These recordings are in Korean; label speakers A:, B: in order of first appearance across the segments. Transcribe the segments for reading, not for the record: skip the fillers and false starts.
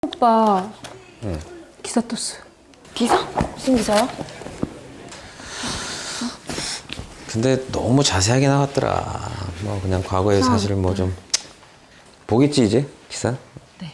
A: 오빠 기사 떴어요.
B: 기사? 무슨 기사야?
C: 근데 너무 자세하게 나왔더라. 뭐 그냥 과거의 사실을 뭐 좀 보겠지 이제 기사?
A: 네.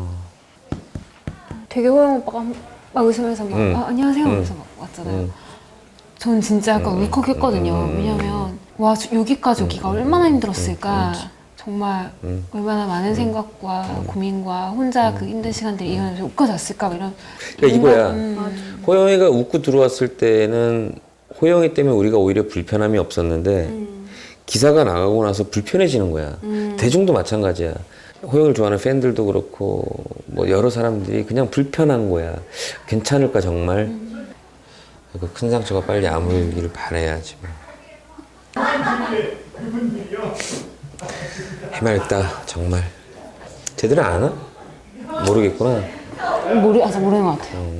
A: 되게 호영 오빠가 막 웃으면서 막 아, 안녕하세요 하면서 막 왔잖아요. 전 진짜 약간 울컥했거든요. 왜냐면 와 여기까지 오기가 얼마나 힘들었을까. 정말 얼마나 많은 생각과 고민과 혼자 그 힘든 시간들을 이겨내면서 여기까지 왔을까 막 이런.
C: 그러니까 이거야. 호영이가 웃고 들어왔을 때는 호영이 때문에 우리가 오히려 불편함이 없었는데 기사가 나가고 나서 불편해지는 거야. 대중도 마찬가지야. 호영이를 좋아하는 팬들도 그렇고 뭐 여러 사람들이 그냥 불편한 거야. 괜찮을까 정말? 그 큰 상처가 빨리 아물기를 바라야지 뭐. 해맑다 정말. 제대로 아나? 모르겠구나.
A: 아직 모르는 것 같아요.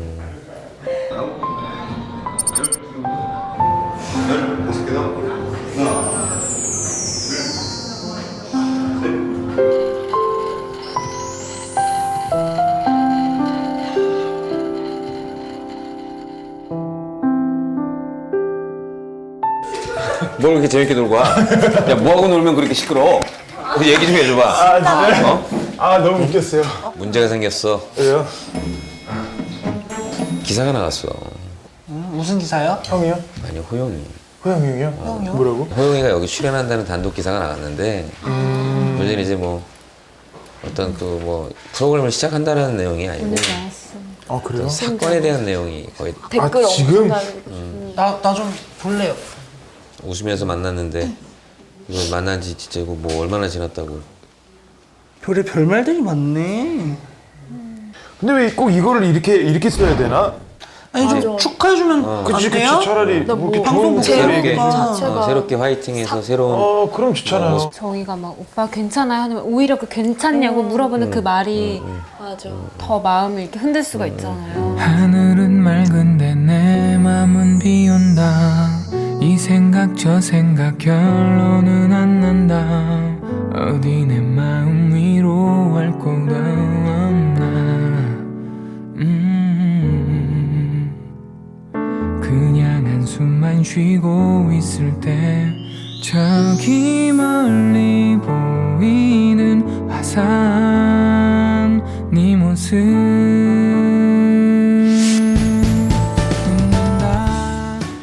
C: 뭘 그렇게 재밌게 놀고 와? 야, 뭐하고 놀면 그렇게 시끄러워? 얘기 좀 해줘봐.
D: 아 진짜요?
C: 어?
D: 아 너무 웃겼어요.
C: 문제가 생겼어.
D: 왜요?
C: 기사가 나왔어.
E: 무슨 기사요?
D: 형이요?
C: 아니, 호영이.
D: 호영이 형이요? 뭐라고?
C: 호영이가 여기 출연한다는 단독 기사가 나왔는데, 문제는 이제 뭐, 어떤 그 뭐, 프로그램을 시작한다는 내용이 아니고,
A: 오늘 나왔어.
D: 아 그래요?
C: 사건에 대한 내용이 거의
A: 댓글
D: 지금?
E: 나 좀 볼래요.
C: 웃으면서 만났는데, 이거 만난 지 진짜 이거 뭐 얼마나 지났다고.
E: 별의 별말들이 많네.
D: 근데 왜 꼭 이거를 이렇게 써야 되나?
E: 아니 좀 축하해주면 안
D: 그치
E: 돼요?
D: 차라리 뭐 이렇게
E: 방송
D: 좋은
E: 보고
D: 얘기.
E: 자체가.
C: 새롭게 화이팅해서 새로운.
D: 그럼 좋잖아요.
A: 저희가 막 오빠 괜찮아요? 하면 오히려 그 괜찮냐고 물어보는 그 말이 더 마음을 이렇게 흔들 수가 있잖아요.
F: 하늘은 맑은데 내 맘은 비온다. 이 생각 저 생각 결론은 안 난다. 어디 내 마음 위로할 곳 없나. 그냥 한숨만 쉬고 있을 때 저기 멀리 보이는 화산 네 모습